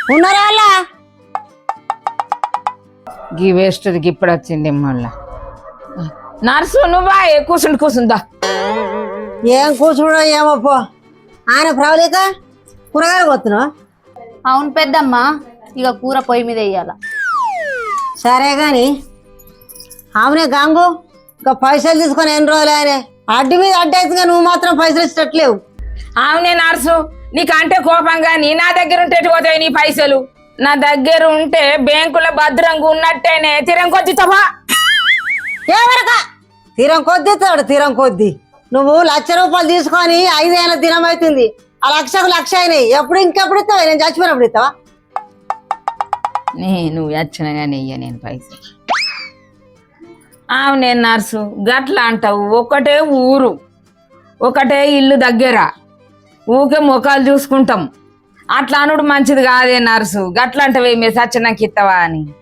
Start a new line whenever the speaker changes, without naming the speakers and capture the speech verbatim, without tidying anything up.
ఉన్నారా వాళ్ళ
గీ వేస్ట్ది ఇప్పుడు వచ్చింది మళ్ళా. నర్సు నువ్వా కూర్చుండి కూర్చుందా.
ఏం కూర్చున్నావు ఏమో పో. ఆయన ప్రవళిక కూరగాయలు కొత్తున్నావు.
అవును పెద్దమ్మ, ఇక కూర పొయ్యి మీద వేయాల.
సరే గాని ఆమెనే గాంగు ఇంకా పైసలు తీసుకొని ఎన్ని రోజులు ఆయన అడ్డు మీద అడ్డేసిగా నువ్వు మాత్రం పైసలు ఇచ్చట్లేవు.
అవునే నర్సు, నీకంటే కోపం గాని నా దగ్గర ఉంటే ఎటు పోతాయి నీ పైసలు? నా దగ్గర ఉంటే బ్యాంకులో భద్రంగా ఉన్నట్టేనే తిరం కొద్ది తప్ప
ఏమరక తీరం కొద్ది తోడు తీరం కొద్ది. నువ్వు లక్ష రూపాయలు తీసుకొని ఐదేళ్ళ దినం అవుతుంది. ఆ లక్షకు లక్ష అయినాయి. ఎప్పుడు ఇంకెప్పుడు ఇస్తావా? నేను చచ్చిపోయినప్పుడు ఇస్తావా?
నే నువ్వు వచ్చినా కానీ ఇయ్య నేను పైసలు. అవునే నర్సు, గట్లా అంటావు. ఒకటే ఊరు ఒకటే ఇల్లు దగ్గర ఊకే ముఖాలు చూసుకుంటాం. అట్లా అనుడు మంచిది కాదే నర్సు. గట్లా అంటవే మీ సచ్చినాకి ఇస్తావా అని.